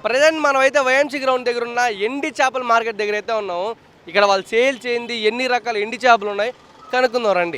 Present మనం అయితే YMC ground దగ్గర ఉన్న ఎండి చేపల మార్కెట్ దగ్గర అయితే ఉన్నాము. ఇక్కడ వాళ్ళు సేల్ చేయింది ఎన్ని రకాల ఎండి చేపలు ఉన్నాయి కనుక్కుందాం రండి.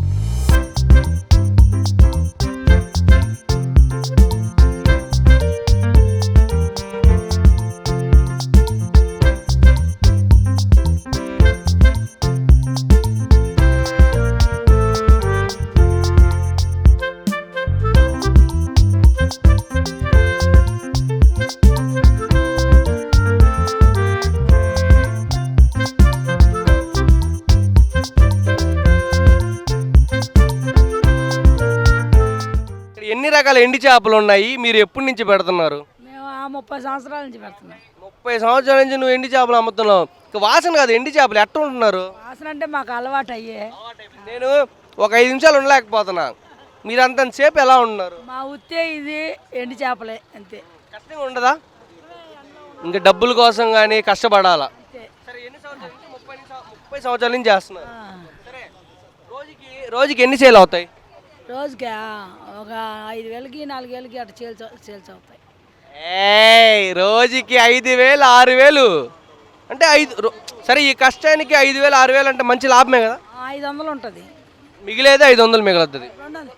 ఎన్ని రకాల ఎండి చేపలు ఉన్నాయి, మీరు ఎప్పటి నుంచి పెడుతున్నారు? మేము 30 సంవత్సరాల నుంచి పెడుతున్నాం. 30 సంవత్సరాల నుంచి నువ్వు ఎండి చేపలు అమ్ముతున్నావు. వాసన కాదు, ఎండి చేపలు ఎట్లా ఉంటున్నారు? వాసన అంటే మాకు అలవాటు అయ్యే. నేను ఒక 5 నిమిషాలు ఉండలేకపోతున్నా. మీరు అంతసేపు ఎలా ఉంటున్నారు? మా ఉత్తే ఇది ఎండి చేపలే అంతే. కష్టంగా ఉండదా? ఇంకా డబ్బుల కోసం కానీ కష్టపడాలా? సరే, ఎన్ని సంవత్సరాల నుంచి? 30 సంవత్సరాల నుంచి చేస్తున్నారు. సరే, రోజుకి ఎన్ని సేల్ అవుతాయి? రోజుకి ఒక 5,000కి 4,000కి అట్లా సేల్స్ అవుతాయి. రోజుకి 5,000 6,000 అంటే సరే, ఈ కష్టానికి 5,000 6,000 అంటే మంచి లాభమే కదా. 500 ఉంటుంది, మిగిలేదే 500 మిగులుతుంది.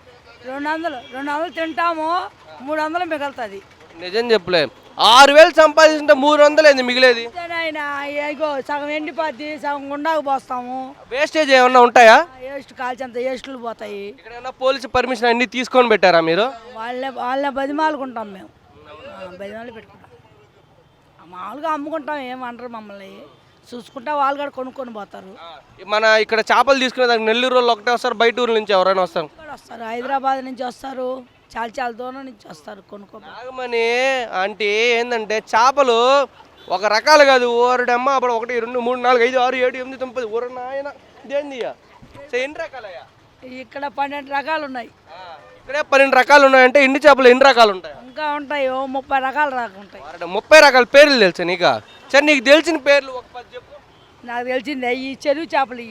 200 తింటాము, 300 మిగులుతుంది. నిజం చెప్పలే, 6,000 సంపాదించుంటే 300 ఏంది మిగిలేది? ఆయన ఇగో సగం ఎండిపోద్ది, సగం గుండాకు పోస్తాము. వేస్టేజ్ ఏమన్నా ఉంటాయా? వేస్ట్ కాల్చేంత వేస్టులు పోతాయి. ఇక్కడ ఏమన్నా పోలీసు పర్మిషన్ అన్ని తీసుకొని పెట్టారా మీరు? వాళ్ళే బదిమాలుకుంటాం మేము, బదిమాలు పెట్టుకుంటాం. మామూలుగా అమ్ముకుంటాం, ఏమంటారు మమ్మల్ని చూసుకుంటా, వాళ్ళు కూడా కొనుక్కొని పోతారు. మన ఇక్కడ చేపలు తీసుకునే దానికి నెల్లూరు వాళ్ళు ఒకటే వస్తారు, బయట ఊరు నుంచి ఎవరైనా వస్తారు? వస్తారు, హైదరాబాద్ నుంచి వస్తారు, చాలా దూరం నుంచి వస్తారు కొనుక్కోమని. అంటే ఏంటంటే చేపలు ఒక రకాలు కాదు, ఊరడమ్మ అప్పుడు 1 2 3 4 5 6 7 8 9 ఊర నాయన ఇదేంది ఎన్ని రకాలయ్యా? ఇక్కడ 12 రకాలు ఉన్నాయి. ఇక్కడే 12 రకాలు ఉన్నాయంటే ఎండి చేపలు ఎన్ని రకాలు ఉంటాయి? ఇంకా ఉంటాయి, 30 రకాలు ఉంటాయి. 30 రకాల పేర్లు తెలుసా నీకు? సరే, నీకు తెలిసిన పేర్లు ఒక 10 చెప్పు. నాకు తెలిసిందే ఈ చెరువు చేపలు,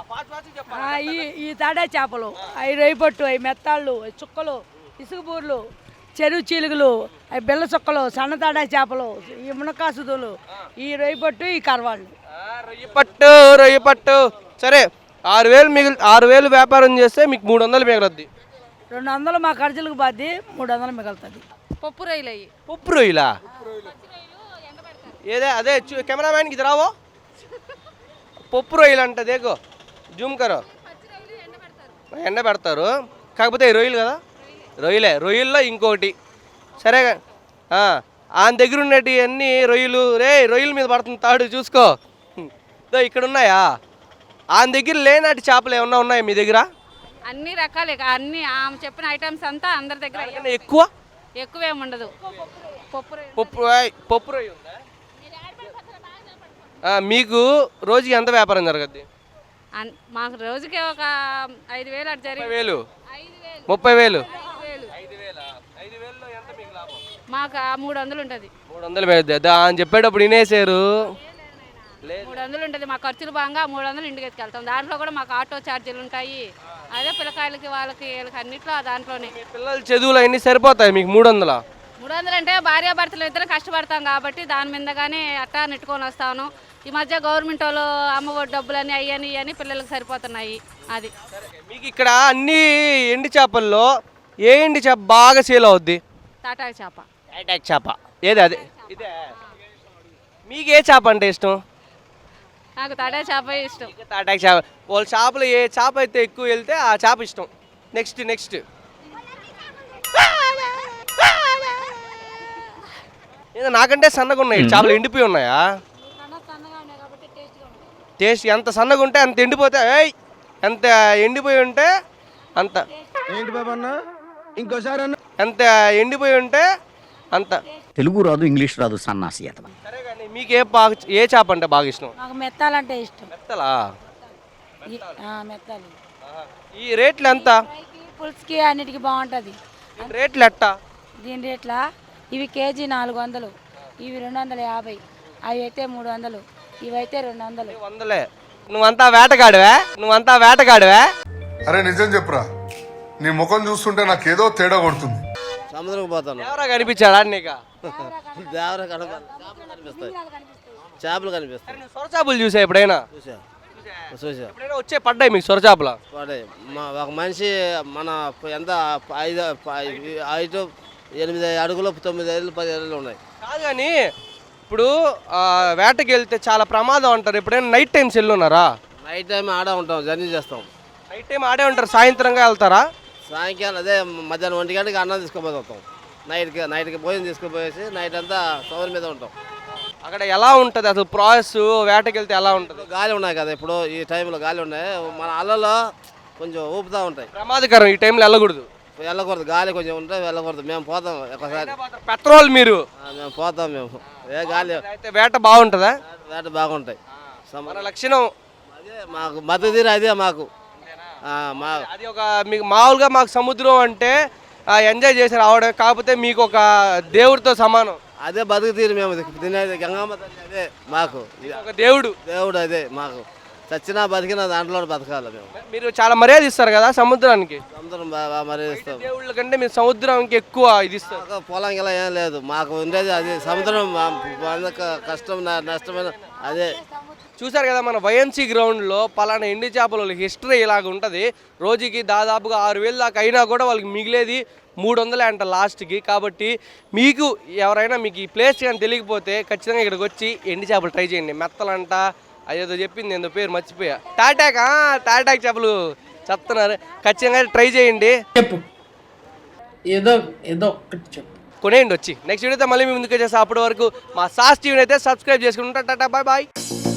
ఈ తాడే చేపలు, అవి రొయ్యపట్టు, అవి మెత్తాళ్ళు, చుక్కలు, ఇసుకబూర్లు, చెరువు చీలుగులు, అవి బిల్ల చుక్కలు, సన్న తాడా చేపలు, ఈ మునకాసుదులు, ఈ రొయ్యపట్టు, ఈ కరవాళ్ళు. రొయ్యపట్టు సరే, 6,000 వ్యాపారం చేస్తే మీకు 300 మిగలద్ది. 200 మా ఖర్చులకు బాద్ది, 300 మిగులుతుంది. పప్పు రొయ్యలు అయ్యి. పప్పు రొయ్యలా? ఏదే అదే కెమెరామ్యాన్కి ఇది రావో. పప్పు రొయ్యలు అంట, దేకో జూమ్ కరో. ఎండ పెడతారు, కాకపోతే రొయ్యలు కదా, రొయ్యల్లో ఇంకోటి. సరే, ఆయన దగ్గర ఉన్నటి అన్ని రొయ్యలు. రొయ్యల మీద పడుతుంది తాడు, చూసుకో. ఇక్కడ ఉన్నాయా? ఆయన దగ్గర లేనటి చేపలు ఏమన్నా ఉన్నాయా మీ దగ్గర? అన్ని రకాలే, అన్ని ఆమె చెప్పిన ఐటమ్స్ అంతా అందరి దగ్గర. ఎక్కువేమి ఉండదు. పప్పు రొయ్య ఉందా? మీకు రోజుకి ఎంత వ్యాపారం జరగద్ది? మాకు రోజుకి ఒక 5,000 అటు జరిగి 30,000. మాకు 300 ఉంటుంది. 300 అని చెప్పేటప్పుడు వినేసారు. 300 ఉంటుంది, మా ఖర్చులు బాగా 300 ఇంటికి ఎత్తుకెళ్తాం. దాంట్లో కూడా మాకు ఆటో ఛార్జీలు ఉంటాయి. అదే పిల్లకాయలకి వాళ్ళకి అన్నిట్లో దాంట్లోనే. పిల్లల చదువులు అన్నీ సరిపోతాయి మీకు 300? 300 అంటే భార్యాభర్తలు ఇద్దరు కష్టపడతాం కాబట్టి దాని మీదగానే అట్టా నెట్టుకొని వస్తాను. ఈ మధ్య గవర్నమెంట్ వాళ్ళు అమ్మఒడి డబ్బులని అయ్యని పిల్లలకు సరిపోతున్నాయి. అది మీకు ఇక్కడ అన్ని ఎండి చేపల్లో ఏ ఎండి చేప బాగా సేల్ అవుద్ది? తాటాకు చేప. తాటాకు చేప ఏది? అదే ఇదే. మీకు ఏ చేప అంటే ఇష్టం? నాకు తాటాకు చేప ఇష్టం. తాటాకు చేప. వాళ్ళ చేపలు ఏ చేప అయితే ఎక్కువ వెళ్తే ఆ చేప ఇష్టం. నెక్స్ట్ ఏదో నాకంటే సన్నగా ఉన్నాయి చేపలు, ఎండిపోయి ఉన్నాయా? టేస్ట్ ఎంత సన్నగా ఉంటే అంత ఎండిపోతే, ఎంత ఎండిపోయి ఉంటే అంత ఏంటి బాబా అన్న ఇంకోసారి అన్న, ఎంత ఎండిపోయి ఉంటే అంత. తెలుగు రాదు, ఇంగ్లీష్ రాదు, సన్నాసి. సరే కానీ మీకు ఏ చేప అంటే బాగా ఇష్టం? నాకు మెత్తాలంటే ఇష్టం. మెత్తలా? మెత్తాలు. ఈ రేట్లు ఎంత? పులుసుకి అన్నిటికీ బాగుంటుంది. రేట్లు ఎట్టా? దీని రేట్ల ఇవి కేజీ 400, ఇవి 250, అవి అయితే 300, ఇవైతే 200. 100. నువ్వంతా వేటగాడివా? అరే నిజం చెప్పురా, నీ ముఖం చూస్తుంటే నాకేదో తేడా కొడుతుంది. సముద్రం పోతాను. ఎవరా కనిపించాడా నీకు? దేవర కనిపిస్తాయి, చేపలు కనిపిస్తాయి. నువ్వు సొర చేపలు చూసా ఎప్పుడైనా? చూసా ఎప్పుడైనా వచ్చే పడ్డాయి మీకు సొర చేపలు? పడే ఒక మనిషి మన ఎంత 5 8 అడుగులు 9 ఏళ్ళు 10 ఏళ్ళు ఉన్నాయి. కాదు కానీ ఇప్పుడు వేటకి వెళ్తే చాలా ప్రమాదం అంటారు. ఎప్పుడైనా నైట్ టైమ్స్ వెళ్ళున్నారా? నైట్ టైం ఆడ ఉంటాం, జర్నీ చేస్తాం. నైట్ టైం ఆడే ఉంటారు, సాయంత్రంగా వెళ్తారా? సాయంకాలం అదే మధ్యాహ్నం 1 గంటకి అన్నం తీసుకుపోతాం. నైట్కి భోజనం తీసుకుపోయేసి నైట్ అంతా సౌర్ మీద ఉంటాం. అక్కడ ఎలా ఉంటుంది అసలు ప్రాసెస్? వేటకి వెళ్తే ఎలా ఉంటుంది? గాలి ఉన్నాయి కదా, ఇప్పుడు ఈ టైంలో గాలి ఉన్నాయి, మన అల్లలో కొంచెం ఊపుతూ ఉంటాయి. ప్రమాదకరం, ఈ టైంలో వెళ్ళకూడదు. వెళ్ళకూడదు, గాలి కొంచెం ఉంటే వెళ్ళకూడదు. మేము పోతాం ఒకసారి, పెట్రోల్ మీరు మేము పోతాం. మేము గాలి అయితే వేట బాగుంటుందా? వేట బాగుంటాయి. మన లక్షణం అదే మాకు మద్దతు తీరు, అదే మాకు మా అది. ఒక మీకు మామూలుగా మాకు సముద్రం అంటే ఎంజాయ్ చేసి రావడం, కాకపోతే మీకు ఒక దేవుడితో సమానం. అదే బతుకు తీరు మేము తినేది. గంగమ్మ తల్లి అదే మాకు ఒక దేవుడు. దేవుడు అదే మాకు. చచ్చినా బతికినా దాంట్లో బతకాలి మేము. మీరు చాలా మర్యాద ఇస్తారు కదా సముద్రానికి. సముద్రం బాగా మర్యాదిస్తాం. దేవుళ్ళ కంటే మీరు సముద్రానికి ఎక్కువ ఇది ఇస్తారు. మాకు పొలం గిలా ఏం లేదు, మాకు ఉండేది అది సముద్రం. కష్టం నష్టమైన అదే. చూసారు కదా మన వైఎంసీ గ్రౌండ్లో పలానా ఎండి చేపల హిస్టరీ ఇలాగ ఉంటుంది. రోజుకి దాదాపుగా 6,000 దాకా అయినా కూడా వాళ్ళకి మిగిలేది 300 అంట లాస్ట్కి. కాబట్టి మీకు ఎవరైనా మీకు ఈ ప్లేస్ కానీ తెలియకపోతే ఖచ్చితంగా ఇక్కడికి వచ్చి ఎండి చేపలు ట్రై చేయండి. మెత్తలంట అదేదో చెప్పింది, ఏందో పేరు మర్చిపోయా. టాటాక్ చేపలు చెప్తున్నారు, ఖచ్చితంగా ట్రై చేయండి. చెప్పు, ఏదో ఒకటి చెప్పు. కొనేయండి వచ్చి. నెక్స్ట్ వీడియోతో మళ్ళీ మీ ముందుకు వచ్చేసి అప్పటి వరకు మా సాస్ టీవీని అయితే సబ్స్క్రైబ్ చేసుకుంటా. Tata, bye bye.